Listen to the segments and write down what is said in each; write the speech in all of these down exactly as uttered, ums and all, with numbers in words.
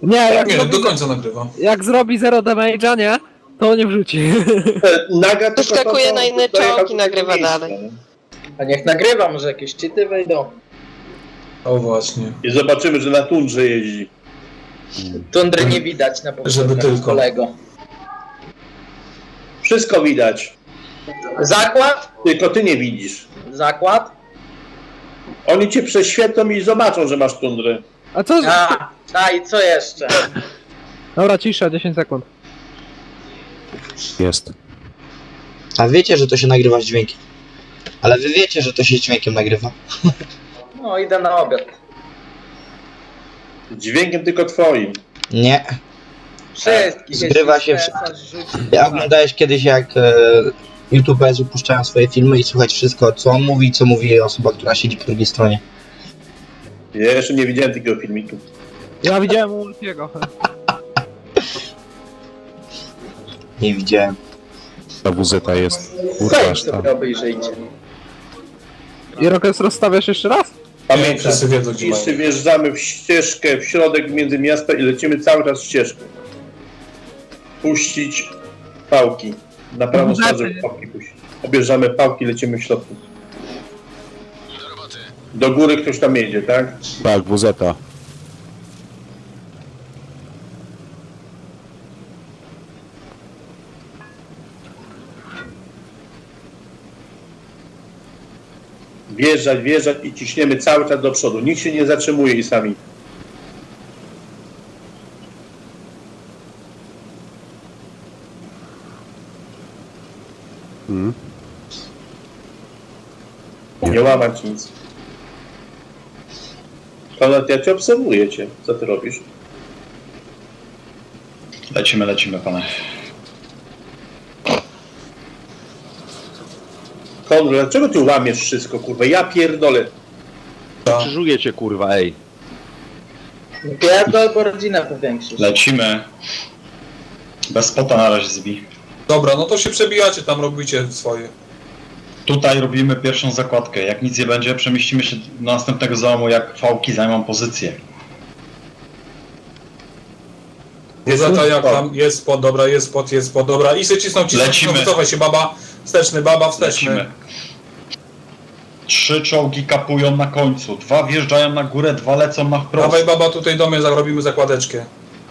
Nie, jak, Nie, zrobi, do końca nagrywa. jak zrobi zero damage'a, nie? To nie wrzuci. Naga tylko Wyskakuje to, to, na inny dojechał czołg i do nagrywa miejsca, dalej. nie? A niech nagrywa, może jakieś cheaty wejdą. O właśnie. I zobaczymy, że na tundrze jeździ. Tundry nie widać na Żeby powtórce tylko. kolego. Wszystko widać, Zakład? tylko ty nie widzisz. Zakład? Oni cię prześwietlą i zobaczą, że masz tundrę. A co? A, a i co jeszcze? Dobra, cisza, dziesięć sekund. Jest. A wiecie, że to się nagrywa z dźwiękiem. Ale wy wiecie, że to się z dźwiękiem nagrywa. No idę na obiad. Dźwiękiem tylko twoim. Nie. Wszystkich. Zgrywa jeśli się Stefan rzuci- Ja oglądałeś kiedyś, jak e, YouTuberzy puszczają swoje filmy i słuchać wszystko, co on mówi, co mówi osoba, która siedzi po drugiej stronie. Ja jeszcze nie widziałem takiego filmiku. Ja widziałem u Ulfiego. Nie widziałem. Ta W Z jest. Kurwa, Wejdź aż tam. sobie obejrzyjcie. I Rokes rozstawiasz jeszcze raz? Pamiętaj, wszyscy wiedzą, gdzie jeszcze mają. wjeżdżamy w ścieżkę, w środek między miasta i lecimy cały czas ścieżką. Puścić pałki. Na prawą No, stronę, żeby lepiej. pałki puścić. Obierzamy pałki, lecimy w środku. Do góry ktoś tam jedzie, tak? Tak, W Z. Wjeżdżać, wjeżdżać i ciśniemy cały czas do przodu. Nikt się nie zatrzymuje i sami. Hmm. Nie łamać nic. Konrad, ja cię obserwuję cię. Co ty robisz? Lecimy, lecimy, panie. Konrad, dlaczego ty łamiesz wszystko, kurwa? Ja pierdolę. Krzyżuję cię, kurwa, ej. Pierdol, bo rodzinę powiększysz. Lecimy. Bez spota na razie zbij. Dobra, no to się przebijacie, tam robicie swoje. Tutaj robimy pierwszą zakładkę. Jak nic nie będzie, przemieścimy się do następnego załomu, jak fałki zajmą pozycję. Zata jak tam, jest spod, dobra, jest spod, jest spod, dobra. I się cisną, cisną, Lecimy. cisną, wycofaj się, baba. Wsteczny, baba, wsteczny. Lecimy. Trzy czołgi kapują na końcu. Dwa wjeżdżają na górę, dwa lecą na wprost. Dawaj, baba, tutaj do mnie zarobimy zakładeczkę.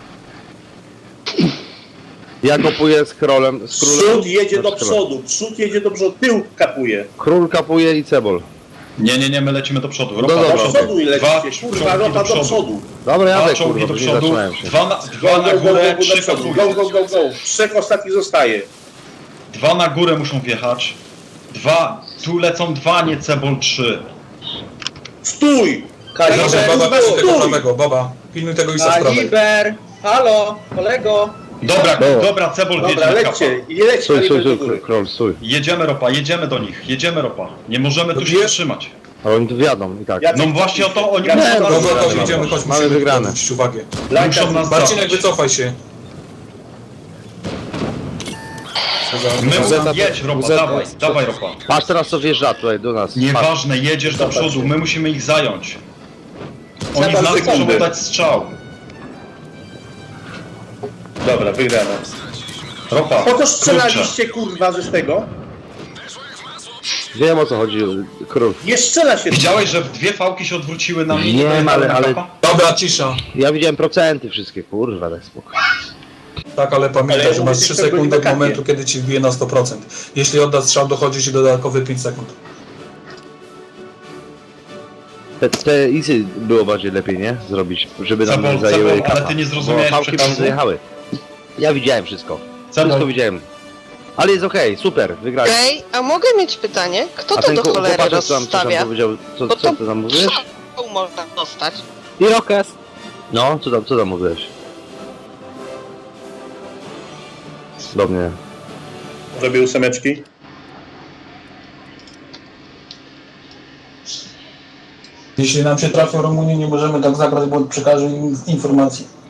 Ja kopuję z królem. Z królem Przód jedzie do Znaczy, przodu, przód jedzie do przodu, tył kapuje. Król kapuje i cebol. Nie, nie, nie, my lecimy do przodu. Ropa No do dobra, Do przodu. przodu i Dwa lecicie, kurwa, czołgi ropa do do przodu. przodu. Dobra, Dwa jadę, czołgi kurwa, do bo nie przodu, zatrzymałem się. dwa na, Go, dwa na go, go, górę, go, do trzy przodu. kapują. Go, go, go, go. Trzech ostatnich zostaje. Dwa na górę muszą wjechać. Dwa, tu lecą dwa, nie cebol trzy. Stój! Dobrze, Kaliber, baba, pilnuj tego stój! prawego, baba. Pilnuj tego isa z prawej. Kaliber! Halo, kolego! Dobra, No. dobra, cebol Dobra, wiedzie na kapa. lećcie, i lećcie Stój, stój, Kaliber do stój, góry. król, stój. Jedziemy ropa, jedziemy do nich, jedziemy ropa. Nie możemy tu się Dobijesz? zatrzymać. Ale oni tu wjadą i tak. Ja- No właśnie o to oni Ja- muszą Nie, Dobra, nas dobra, zabrać. idziemy, chodź, Mamy musimy wygrane. zwrócić uwagę. Muszą nas Marcinek, zabrać. wycofaj się. My Zeta- jedź ropa, Zeta- dawaj, dawaj ropa. Patrz teraz co wjeżdża tutaj do nas. Patrz. Nieważne, jedziesz do przodu, my musimy ich zająć. Oni Trzeba z nas sekundy. muszą dać strzał. Dobra, wygrana. Ropa, Po co kurczę. strzelaliście, kurwa, że z tego? Wiem o co chodzi, król. Nie strzela się. Widziałeś, że dwie fałki się odwróciły na mnie? Nie, dojechały ale- na ale- kapa? Dobra, cisza. Ja widziałem procenty wszystkie, kurwa, daj spokój. Tak, ale pamiętaj, Ale że masz mówię, trzy że to byli sekundy od na kapie. momentu, kiedy ci wbije na sto procent. Jeśli odda strzał, dochodzi ci dodatkowy pięć sekund. Te, te isy było bardziej lepiej, nie? Zrobić, żeby nam Cebol, nie zajęły cebol, ale kapa. ty nie Bo zrozumiałeś fałki przekazu? nam zajechały. Ja widziałem wszystko. Cebol, Wszystko widziałem. Ale jest okej, super, wygrali. Okej, a mogę mieć pytanie? Kto A to ten do ku- cholery chłopaczek, co tam, co tam rozstawia? powiedział, co, Bo co to ty tam mówiłeś? strzał można dostać. I Rokes. No, co tam, co tam mówiłeś? Do mnie. Zrobię ósemeczki. Jeśli nam się trafią Rumunii, nie możemy tak zagrać, bo przekażę im informacji.